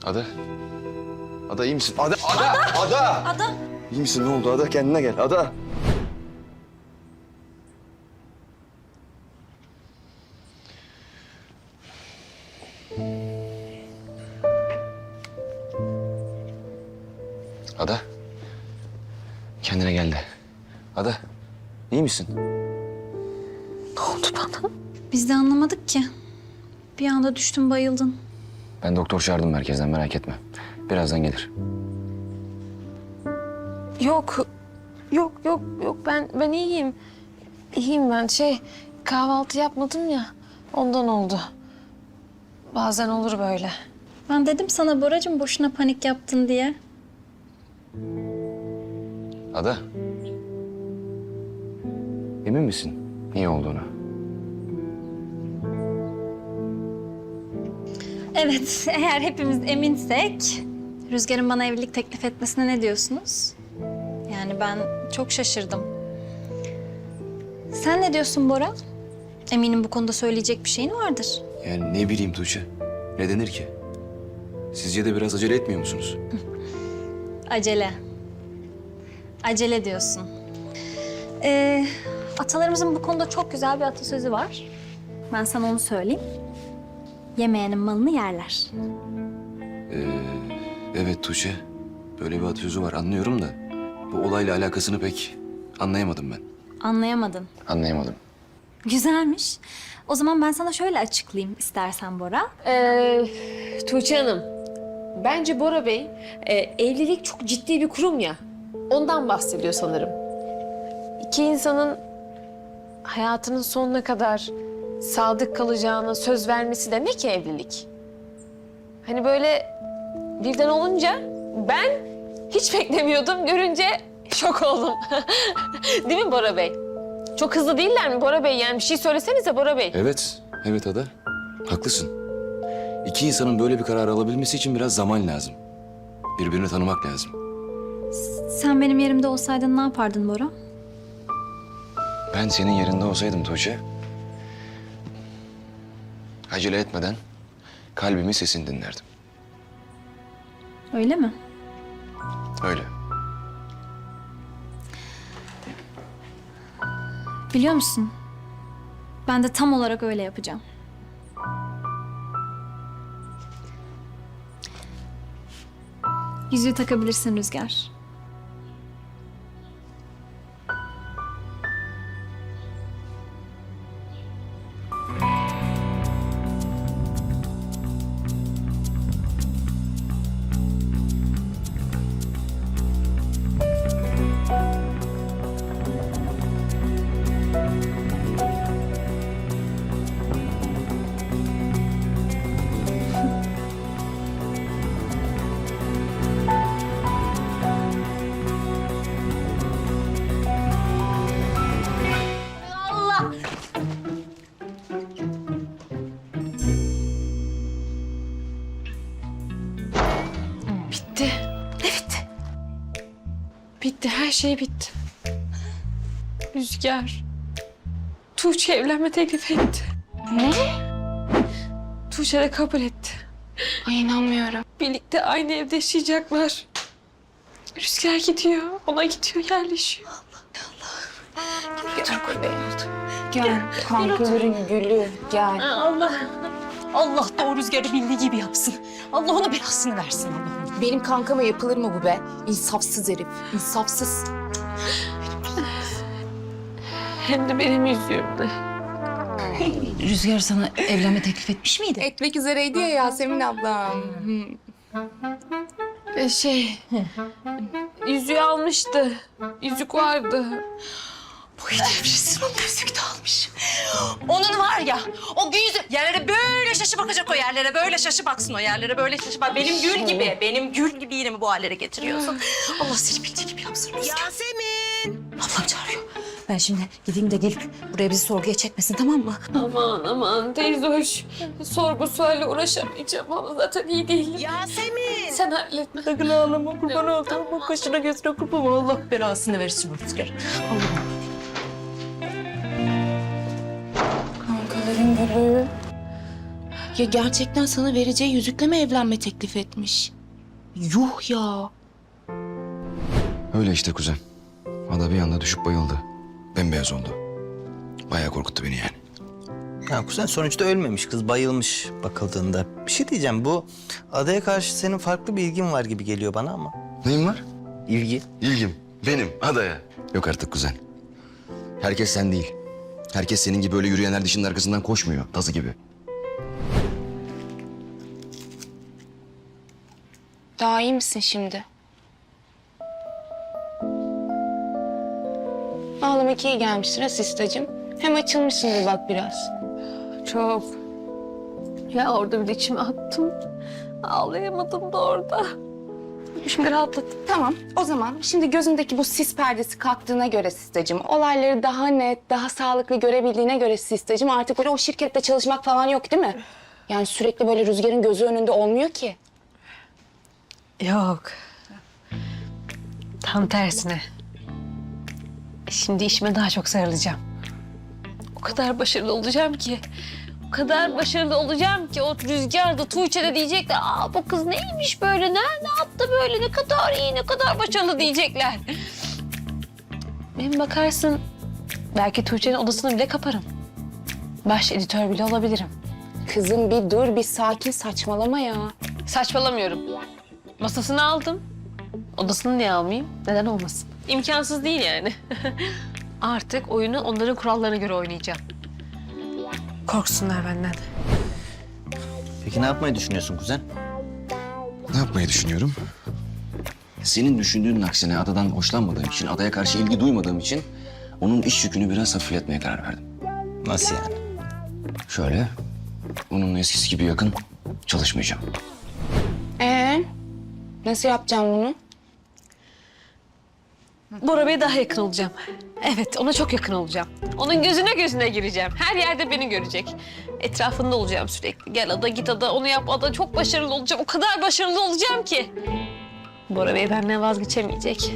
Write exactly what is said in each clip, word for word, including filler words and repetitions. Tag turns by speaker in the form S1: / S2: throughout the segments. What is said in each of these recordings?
S1: Ada. Ada iyi misin? Ada, Ada, Ada. Ada.
S2: Ada.
S1: İyi misin? Ne oldu Ada? Kendine gel. Ada. Ada. Kendine gel de. Ada. İyi misin?
S2: Ne oldu bana? Biz de anlamadık ki. Bir anda düştün, bayıldın.
S1: Ben doktor çağırdım merkezden, merak etme. Birazdan gelir.
S3: Yok, yok, yok, yok. Ben ben iyiyim. İyiyim ben. Şey, kahvaltı yapmadım ya. Ondan oldu. Bazen olur böyle.
S2: Ben dedim sana Boracığım, boşuna panik yaptın diye.
S1: Ada. Emin misin iyi olduğuna?
S2: Evet, eğer hepimiz eminsek... Rüzgar'ın bana evlilik teklif etmesine ne diyorsunuz? Yani ben çok şaşırdım. Sen ne diyorsun Bora? Eminim bu konuda söyleyecek bir şeyin vardır.
S1: Yani ne bileyim Tuğçe. Ne denir ki? Sizce de biraz acele etmiyor musunuz?
S2: Acele. Acele diyorsun. Ee, atalarımızın bu konuda çok güzel bir atasözü var. Ben sana onu söyleyeyim. Yemeyenin malını yerler.
S1: Ee, evet Tuğçe. Böyle bir atasözü var anlıyorum da... ...bu olayla alakasını pek anlayamadım ben.
S2: Anlayamadın.
S1: Anlayamadım.
S2: Güzelmiş. O zaman ben sana şöyle açıklayayım istersen Bora.
S3: Ee, Tuğçe Hanım, bence Bora Bey, e, evlilik çok ciddi bir kurum ya. Ondan bahsediyor sanırım. İki insanın hayatının sonuna kadar sadık kalacağına söz vermesi demek ki evlilik. Hani böyle birden olunca ben hiç beklemiyordum. Görünce şok oldum. Değil mi Bora Bey? Çok hızlı değiller mi Bora Bey? Yani bir şey söylesenize Bora Bey.
S1: Evet, evet Ada. Haklısın. İki insanın böyle bir karar alabilmesi için biraz zaman lazım. Birbirini tanımak lazım.
S2: Sen benim yerimde olsaydın ne yapardın Bora?
S1: Ben senin yerinde olsaydım Tuğçe... ...acele etmeden kalbimin sesini dinlerdim.
S2: Öyle mi?
S1: Öyle.
S2: Biliyor musun? Ben de tam olarak öyle yapacağım. Yüzüğü takabilirsin Rüzgar.
S3: Bitti. Ne bitti? Bitti, her şey bitti. Rüzgar, Tuğçe evlenme teklif etti.
S2: Ne?
S3: Tuğçe de kabul etti.
S4: Ay inanmıyorum.
S3: Birlikte aynı evde yaşayacaklar. Rüzgar gidiyor, ona gidiyor, yerleşiyor.
S4: Dur kurban oldu. Gel kankaların gülü gel.
S3: Allah.
S5: Allah da o Rüzgar'ı bildiği gibi yapsın. Allah ona belasını versin Allah'ım.
S4: Benim kankama yapılır mı bu be? İnsafsız herif, insafsız.
S3: Hem de benim yüzüğümle.
S5: Rüzgar sana evlenme teklif etmiş miydi?
S4: Etmek üzereydi ya Yasemin ablam.
S3: Ee, şey, yüzüğü almıştı. Yüzük vardı.
S5: Bu edepsiz o yüzük de almış. Onun var ya, o yüzü yerlere böyle şaşı bakacak o yerlere. Böyle şaşı baksın o yerlere, böyle şaşı bak. Benim gül gibi, benim gül gibi yine mi bu hallere getiriyorsun? Allah seni bildiği gibi yapsın Rüzgar.
S6: Yasemin!
S5: Ablam çağırıyor. Ben şimdi gideyim de gelip buraya bizi sorguya çekmesin, tamam mı?
S3: Aman aman teyze hoş. Sorgu sualle uğraşamayacağım ama zaten iyi değilim.
S6: Yasemin!
S3: Sen halletme.
S5: Sakın ağlama, kurban olduğum bu kaşına gözüne kurban. Allah belasını versin bu Rüzgar. Allah'ım.
S4: Kankaların gülü Ya gerçekten sana vereceği yüzükle mi evlenme teklif etmiş? Yuh ya.
S1: Öyle işte kuzen. Ada bir anda düşüp bayıldı. Bembeyaz oldu. Bayağı korkuttu beni yani.
S7: Ya kuzen sonuçta ölmemiş, kız bayılmış bakıldığında. Bir şey diyeceğim, bu adaya karşı senin farklı bir ilgin var gibi geliyor bana ama.
S1: Neyin var?
S7: İlgi.
S1: İlgim. Benim. Adaya. Yok artık kuzen. Herkes sen değil. Herkes senin gibi öyle yürüyenler dişinin arkasından koşmuyor. Tazı gibi.
S4: Daha iyi misin şimdi? Ağlamak iyi gelmiştir ha sistacığım. Hem açılmışsındır bak biraz.
S3: Çok. Ya orada bir de içime attım. Ağlayamadım da orada. Şimdi rahatladım.
S4: Tamam, o zaman şimdi gözündeki bu sis perdesi kalktığına göre sistacığım, olayları daha net, daha sağlıklı görebildiğine göre sistacığım, artık böyle o şirkette çalışmak falan yok değil mi? Yani sürekli böyle Rüzgar'ın gözü önünde olmuyor ki.
S3: Yok. Tam tersine. Şimdi işime daha çok sarılacağım. O kadar başarılı olacağım ki. O kadar başarılı olacağım ki o Rüzgar da Tuğçe de diyecekler. Aa bu kız neymiş böyle, ne, ne yaptı böyle, ne kadar iyi, ne kadar başarılı diyecekler. Benim bakarsın belki Tuğçe'nin odasını bile kaparım. Baş editör bile olabilirim.
S4: Kızım bir dur, bir sakin, saçmalama ya.
S3: Saçmalamıyorum. Masasını aldım. Odasını niye almayayım? Neden olmasın? İmkansız değil yani. Artık oyunu onların kurallarına göre oynayacağım. Korksunlar benden.
S7: Peki ne yapmayı düşünüyorsun kuzen?
S1: Ne yapmayı düşünüyorum? Senin düşündüğünün aksine adadan hoşlanmadığım için, adaya karşı ilgi duymadığım için onun iş yükünü biraz hafifletmeye karar verdim.
S7: Nasıl yani?
S1: Şöyle, onunla eskisi gibi yakın çalışmayacağım.
S4: Ee, nasıl yapacağım bunu?
S3: Bora Bey'e daha yakın olacağım. Evet, ona çok yakın olacağım. Onun gözüne gözüne gireceğim. Her yerde beni görecek. Etrafında olacağım sürekli. Gel ada, git ada, onu yap ada. Çok başarılı olacağım. O kadar başarılı olacağım ki. Bora Bey benden vazgeçemeyecek.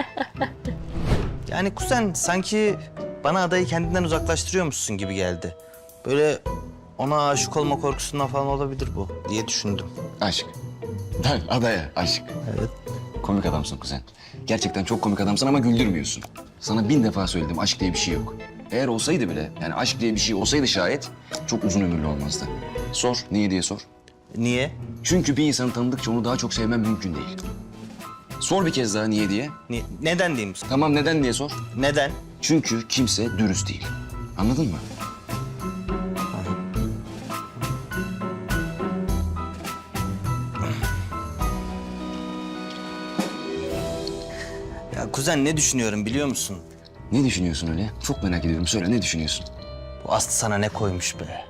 S7: Yani kuzen sanki bana adayı kendinden uzaklaştırıyormuşsun gibi geldi. Böyle ona aşık olma korkusundan falan olabilir bu diye düşündüm.
S1: Aşk. Ben adaya aşk.
S7: Evet.
S1: Komik adamsın kuzen. Gerçekten çok komik adamsın ama güldürmüyorsun. Sana bin defa söyledim, aşk diye bir şey yok. Eğer olsaydı bile, yani aşk diye bir şey olsaydı şayet çok uzun ömürlü olmazdı. Sor, niye diye sor.
S7: Niye?
S1: Çünkü bir insanı tanıdıkça onu daha çok sevmem mümkün değil. Sor bir kez daha niye diye.
S7: Niye? Neden diyeyim?
S1: Tamam neden diye sor.
S7: Neden?
S1: Çünkü kimse dürüst değil. Anladın mı?
S7: Ya kuzen ne düşünüyorum biliyor musun?
S1: Ne düşünüyorsun öyle? Çok merak ediyorum. Söyle ne düşünüyorsun?
S7: Bu Aslı sana ne koymuş be?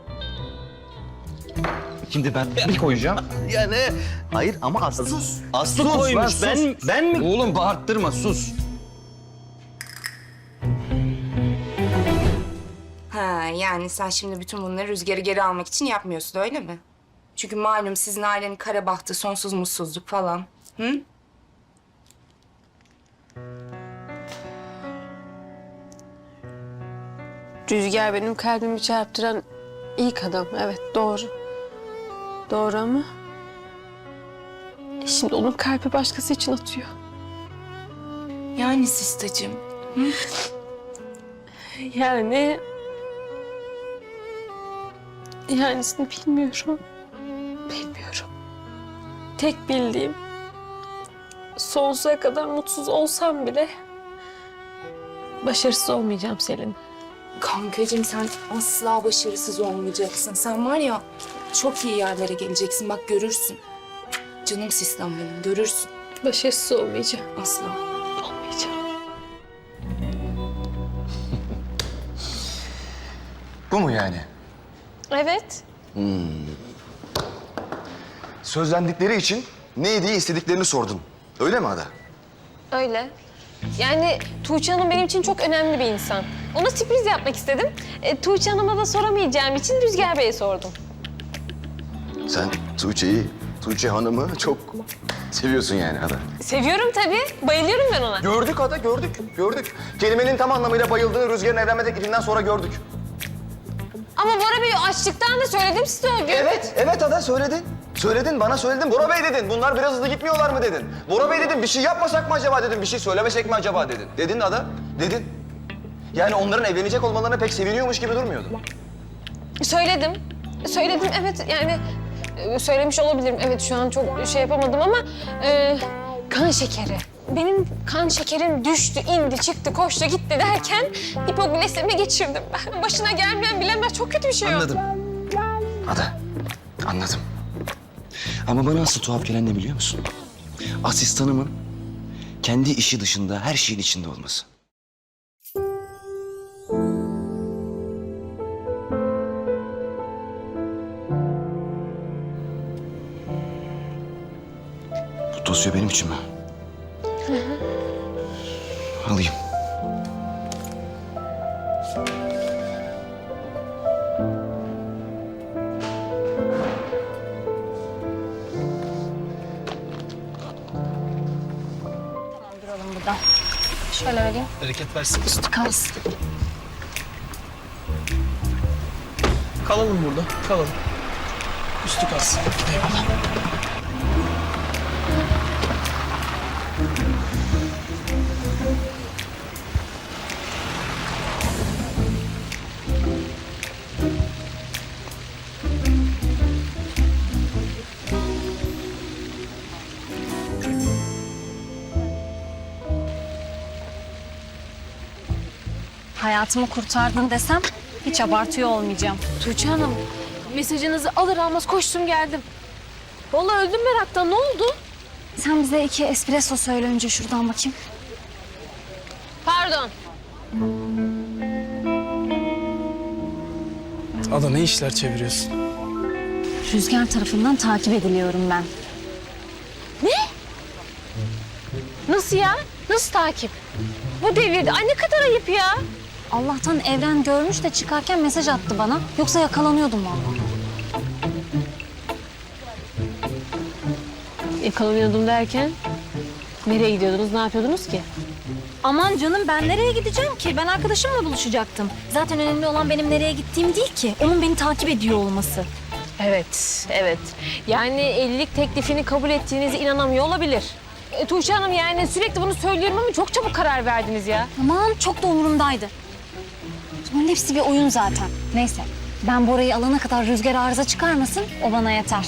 S1: Şimdi ben bir koyacağım.
S7: Yani hayır ama Aslı. Sus. Aslı
S1: Sus lan,
S7: koymuş.
S1: sus.
S7: Ben ben mi?
S1: Oğlum bağırttırma sus.
S8: Ha, yani sen şimdi bütün bunları Rüzgar'ı geri almak için yapmıyorsun öyle mi? Çünkü malum sizin ailenin kara bahtı, sonsuz mutsuzluk falan. Hı?
S3: Rüzgar benim kalbimi çarptıran ilk adam. Evet, doğru. Doğru ama... e şimdi onun kalbi başkası için atıyor.
S8: Yani sistacığım.
S3: Yani... Yanisini bilmiyorum. Bilmiyorum. Tek bildiğim... sonsuza kadar mutsuz olsam bile... başarısız olmayacağım Selin.
S8: Kankacığım sen asla başarısız olmayacaksın. Sen var ya çok iyi yerlere geleceksin. Bak görürsün. Canım sistem benim görürsün.
S3: Başarısız olmayacağım.
S8: Asla.
S3: Olmayacağım.
S1: Bu mu yani?
S3: Evet.
S1: Sözlendikleri için ne diye istediklerini sordun. Öyle mi Ada?
S3: Öyle. Yani Tuğçe Hanım benim için çok önemli bir insan. Ona sürpriz yapmak istedim. E, Tuğçe Hanım'a da soramayacağım için Rüzgar Bey'e sordum.
S1: Sen Tuğçe'yi, Tuğçe Hanım'ı çok seviyorsun yani Ada.
S3: Seviyorum tabii. Bayılıyorum ben ona.
S9: Gördük Ada, gördük, gördük. Kelimenin tam anlamıyla bayıldığını Rüzgar'ın evlenme teklifinden sonra gördük.
S3: Ama Bora Bey açlıktan da söyledim size o gün.
S9: Evet, evet Ada söyledin. Söyledin, bana söyledin. Bora Bey dedin. Bunlar biraz hızlı gitmiyorlar mı dedin. Bora Bey dedim, bir şey yapmasak mı acaba dedim. Bir şey söylemesek mi acaba dedin. Dedin Ada, dedin. Yani onların evlenecek olmalarına pek seviniyormuş gibi durmuyordu.
S3: Söyledim. Söyledim evet yani e, söylemiş olabilirim. Evet şu an çok şey yapamadım ama e, kan şekeri. Benim kan şekerim düştü, indi, çıktı, koştu, gitti derken hipoglisemi geçirdim ben. Başına gelmeyen bilemez. Çok kötü bir şey o.
S1: Anladım. Ada, anladım. Ama bana asıl tuhaf gelen ne biliyor musun? Asistanımın kendi işi dışında her şeyin içinde olması. Bu dosya benim için mi? Alayım.
S2: Duralım burada. Şöyle vereyim.
S10: Hareket versin.
S2: Üstü kalsın.
S10: Kalalım burada. Kalalım. Üstü kalsın. Eyvallah.
S2: Hayatımı kurtardın desem hiç abartıyor olmayacağım.
S3: Tuğçe Hanım, mesajınızı alır almaz koştum geldim. Vallahi öldüm meraktan. Ne oldu?
S2: Sen bize iki espresso söyle önce şuradan bakayım.
S3: Pardon.
S10: Ada ne işler çeviriyorsun?
S2: Rüzgar tarafından takip ediliyorum ben.
S3: Nasıl ya? Nasıl takip? Bu devirde. Ay ne kadar ayıp ya.
S2: Allah'tan Evren görmüş de çıkarken mesaj attı bana. Yoksa yakalanıyordum vallahi.
S3: Yakalanıyordum derken nereye gidiyordunuz, ne yapıyordunuz ki?
S2: Aman canım ben nereye gideceğim ki? Ben arkadaşımla buluşacaktım. Zaten önemli olan benim nereye gittiğim değil ki. Onun beni takip ediyor olması.
S3: Evet, evet. Yani evlilik teklifini kabul ettiğinize inanamıyor olabilir. E, Tuğçe Hanım yani sürekli bunu söylüyorum ama çok çabuk karar verdiniz ya.
S2: Aman çok da umurumdaydı. Bunların hepsi bir oyun zaten. Neyse ben Bora'yı alana kadar Rüzgar arıza çıkarmasın o bana yeter.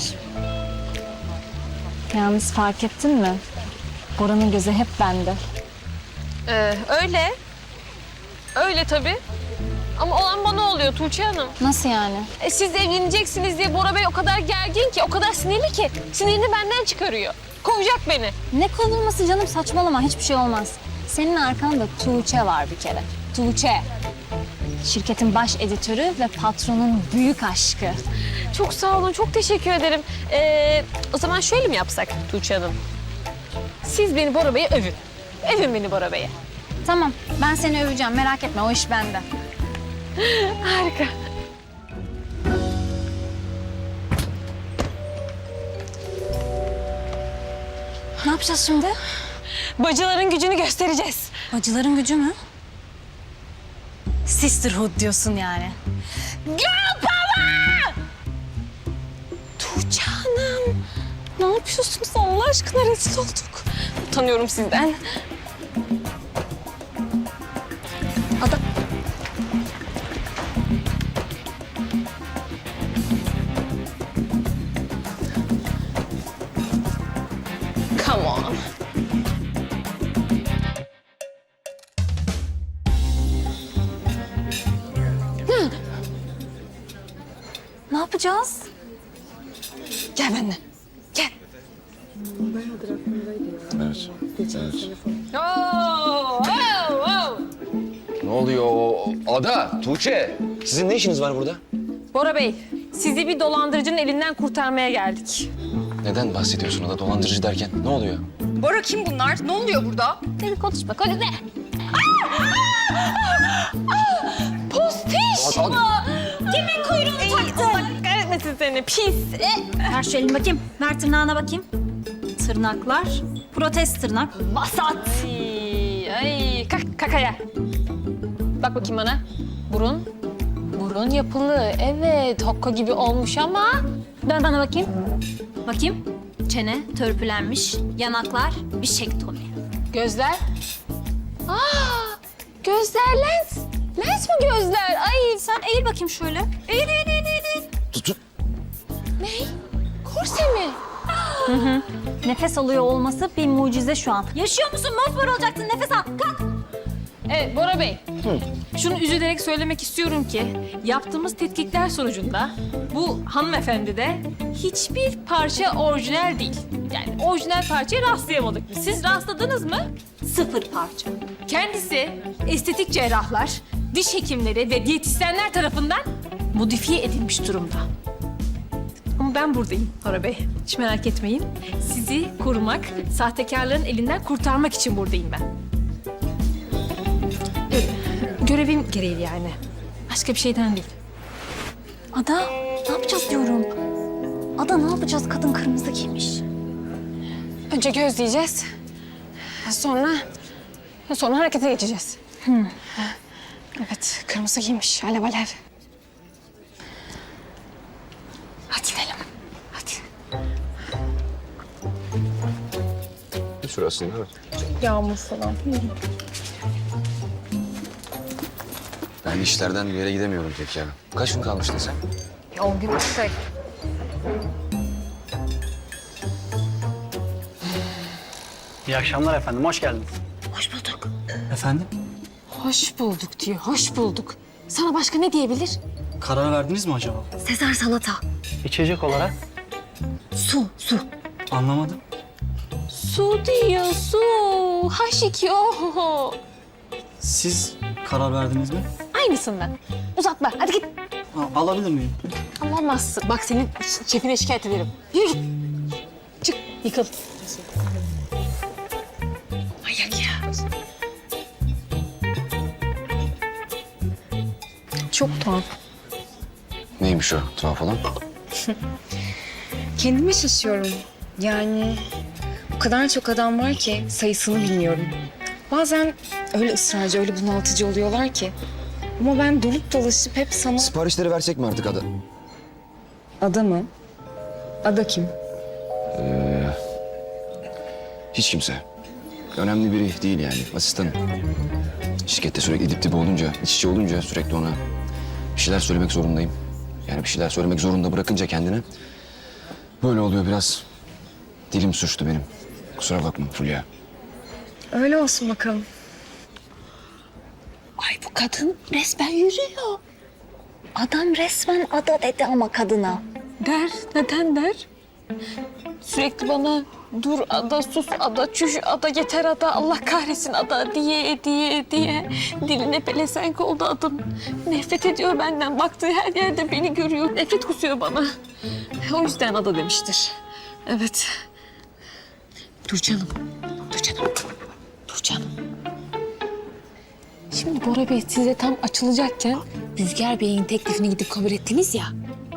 S2: Yalnız fark ettin mi? Bora'nın gözü hep bende.
S3: Ee, öyle. Öyle tabii. Ama olan bana oluyor Tuğçe Hanım.
S2: Nasıl yani?
S3: E, siz evleneceksiniz diye Bora Bey o kadar gergin ki, o kadar sinirli ki. Sinirini benden çıkarıyor. Kovacak beni.
S2: Ne kovulması canım saçmalama hiçbir şey olmaz. Senin arkanda Tuğçe var bir kere. Tuğçe. Şirketin baş editörü ve patronun büyük aşkı.
S3: Çok sağ olun, çok teşekkür ederim. Ee, o zaman şöyle mi yapsak Tuğçe Hanım? Siz beni Bora Bey'e övün. Övün beni Bora Bey'e.
S2: Tamam ben seni öveceğim merak etme o iş bende.
S3: Harika.
S2: Ne yapacağız şimdi?
S3: Bacıların gücünü göstereceğiz.
S2: Bacıların gücü mü? Sisterhood diyorsun yani.
S3: Girl power! Tuğçe Hanım, ne yapıyorsunuz Allah aşkına? Rezil olduk. Utanıyorum sizden.
S2: Ada...
S3: Come on.
S2: Ne yapacağız?
S3: Gel benimle. Gel.
S1: Evet. evet.
S3: Oo, oo, oo.
S1: Ne oluyor? Ada, Tuğçe. Sizin ne işiniz var burada?
S3: Bora Bey, sizi bir dolandırıcının elinden kurtarmaya geldik.
S1: Neden bahsediyorsun Ada dolandırıcı derken? Ne oluyor?
S5: Bora kim bunlar? Ne oluyor burada?
S3: Hadi konuşma, konuşma. Postiş
S1: Ada-
S3: bu. Kimin kuyruğunu taktın? Allah kahretmesin seni, pis.
S2: Ver şu elini bakayım. Ver tırnağına bakayım. Tırnaklar. Protez tırnak.
S3: Vasat. Ay, ay. Kalk, kakaya. Bak bakayım bana. Burun. Burun. Burun yapılı, evet. Hokka gibi olmuş ama...
S2: Dön bana bakayım. Bakayım. Çene törpülenmiş, yanaklar bir şektomi.
S3: Gözler... Aa, gözler lens. Lens mi gözler? Ay
S2: Sen eğil bakayım şöyle. Eğil, eğil, eğil, eğil.
S1: Tutun.
S3: korse mi?
S2: Nefes alıyor olması bir mucize şu an. Yaşıyor musun? Mosmor olacaksın. Nefes al. Kalk.
S3: Evet Bora Bey. Şunu üzülerek söylemek istiyorum ki yaptığımız tetkikler sonucunda bu hanımefendi de hiçbir parça orijinal değil. Yani orijinal parçaya rastlayamadık biz. Siz rastladınız mı?
S2: Sıfır parça.
S3: Kendisi estetik cerrahlar, diş hekimleri ve diyetisyenler tarafından modifiye edilmiş durumda. Ama ben buradayım Bora Bey. Hiç merak etmeyin. Sizi korumak, sahtekarların elinden kurtarmak için buradayım ben. Gö- görevim gereği yani. Başka bir şeyden değil.
S2: Ada, ne yapacağız diyorum. Ada ne yapacağız? Kadın kırmızı giymiş.
S3: Önce gözleyeceğiz. Sonra... Sonra harekete geçeceğiz. Evet, kırmızı giymiş. Alev alev. Hadi gidelim. Hadi.
S1: Şurasında evet.
S8: Yağmur falan.
S1: Ben işlerden bir yere gidemiyorum pek ya. Kaç gün kalmıştın sen?
S8: On gün tek.
S10: İyi akşamlar efendim, hoş geldiniz.
S3: Hoş bulduk.
S10: Efendim?
S3: Hoş bulduk diyor, hoş bulduk. Sana başka ne diyebilir?
S10: Karar verdiniz mi acaba?
S2: Sezar salata.
S10: İçecek olarak?
S2: Su, su.
S10: Anlamadım.
S3: Su diyor, su. H iki O.
S10: Siz karar verdiniz mi?
S3: Aynısından. Uzatma, hadi git.
S10: Ha, alabilir miyim?
S3: Alamazsın. Bak senin şefine şikayet ederim. Yürü git. Çık, yıkıl. Manyak ya.
S8: Çok tuhaf.
S1: Neymiş o tuhaf olan?
S8: Kendime şaşıyorum. Yani o kadar çok adam var ki sayısını bilmiyorum. Bazen öyle ısrarcı, öyle bunaltıcı oluyorlar ki. Ama ben dönüp dolaşıp hep sana...
S1: Siparişleri versek mi artık Ada?
S8: Ada mı? Ada kim?
S1: Hiç kimse. Önemli biri değil yani. Asistanım. Şirkette sürekli dip dibe olunca, iç içe olunca sürekli ona bir şeyler söylemek zorundayım. Yani bir şeyler söylemek zorunda bırakınca kendini böyle oluyor biraz. Dilim suçtu benim. Kusura bakma Fulya.
S8: Öyle olsun bakalım.
S2: Ay bu kadın resmen yürüyor. Adam resmen ada dedi ama kadına.
S3: Der, neden der? Sürekli bana dur ada, sus ada, çüş ada, yeter ada, Allah kahretsin ada diye diye diye. Diline pelesenk oldu adım. Nefret ediyor benden. Baktığı her yerde beni görüyor. Nefret kusuyor bana. O yüzden ada demiştir. Evet. Dur canım. Dur canım. Dur canım. Şimdi Bora Bey size tam açılacakken Rüzgar Bey'in teklifini gidip kabul ettiniz ya.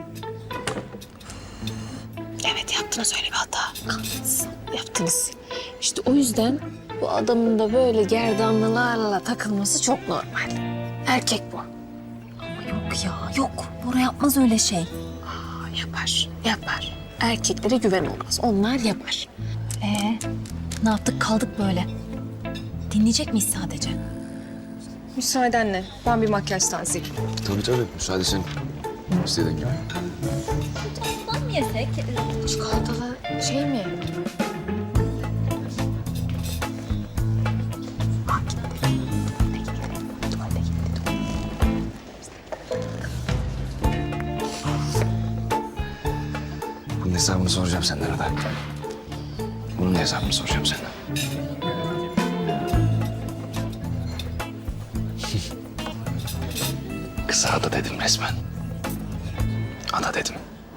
S3: Evet yaptınız öyle bir hata. Kahretsin. Yaptınız. İşte o yüzden bu adamın da böyle gerdanlılarla takılması çok normal. Erkek bu.
S2: Yok ya yok. Bora yapmaz öyle şey.
S3: Aa, yapar, yapar. Erkeklere güven olmaz. Onlar yapar.
S2: Ee, ne yaptık kaldık böyle. Dinleyecek miyiz sadece?
S8: Müsaadenle. Ben bir makyaj tanesi.
S1: Tabii tabii. Müsaade senin. İstediğin gibi.
S2: Ondan mı yesek?
S3: Çikolatalı şey mi?
S1: Bunun hesabını soracağım senden Ada. Bunun hesabını soracağım senden. Kısa Ada dedim resmen. Ada dedim.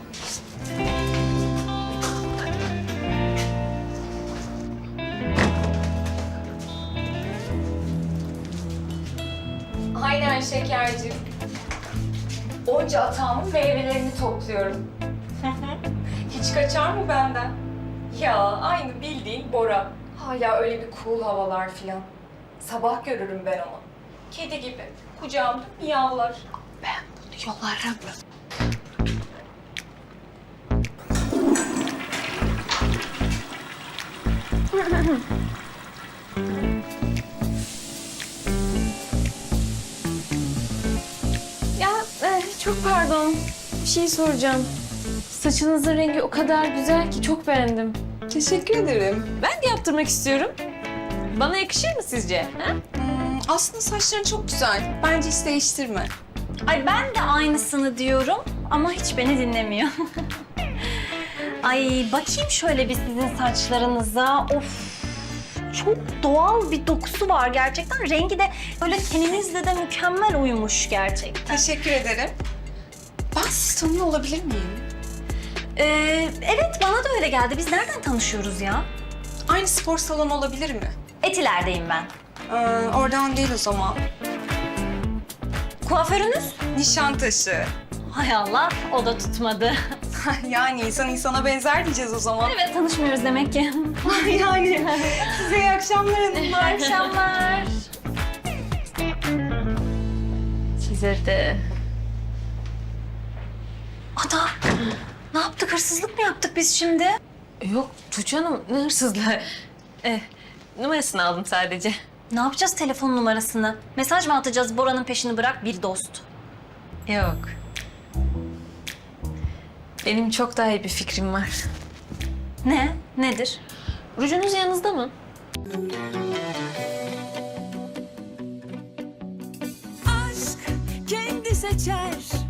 S8: Aynen şekerci. Onca atağımın meyvelerini topluyorum. Hiç kaçar mı benden? Ya aynı bildiğin Bora. Hala öyle bir cool havalar filan. Sabah görürüm ben onu. Kedi gibi. Kucağımda miyavlar.
S3: Ben
S4: Yollarım.
S3: Ya eh, çok pardon. Bir şey soracağım. Saçınızın rengi o kadar güzel ki çok beğendim.
S8: Teşekkür ederim.
S3: Ben de yaptırmak istiyorum. Bana yakışır mı sizce? Ha?
S8: Hmm, aslında saçların çok güzel. Bence hiç değiştirme.
S2: Ay ben de aynısını diyorum ama hiç beni dinlemiyor. Ay bakayım şöyle bir sizin saçlarınıza. Of. Çok doğal bir dokusu var gerçekten. Rengi de böyle teninizle de mükemmel uyumuş gerçekten.
S8: Teşekkür ederim. Ben sizi tanıyor olabilir miyim?
S2: Ee, evet bana da öyle geldi. Biz nereden tanışıyoruz ya?
S8: Aynı spor salonu olabilir mi?
S2: Etiler'deyim ben.
S8: Ee, oradan değil o zaman.
S2: Kuaförünüz?
S8: Nişantaşı.
S2: Hay Allah o da tutmadı.
S8: Yani insan insana benzer diyeceğiz o zaman.
S2: Evet tanışmıyoruz demek ki.
S8: Yani size iyi akşamlar hanımlar.
S2: İyi akşamlar.
S3: Size de.
S2: Ada ne yaptık? Hırsızlık mı yaptık biz şimdi?
S3: Yok Tuğçe Hanım ne hırsızlığı. Eh, numarasını aldım sadece.
S2: Ne yapacağız telefon numarasını? Mesaj mı atacağız Bora'nın peşini bırak bir dost?
S3: Yok. Benim çok daha iyi bir fikrim var.
S2: Ne? Nedir?
S3: Rujunuz yanınızda mı?
S6: Aşk kendi seçer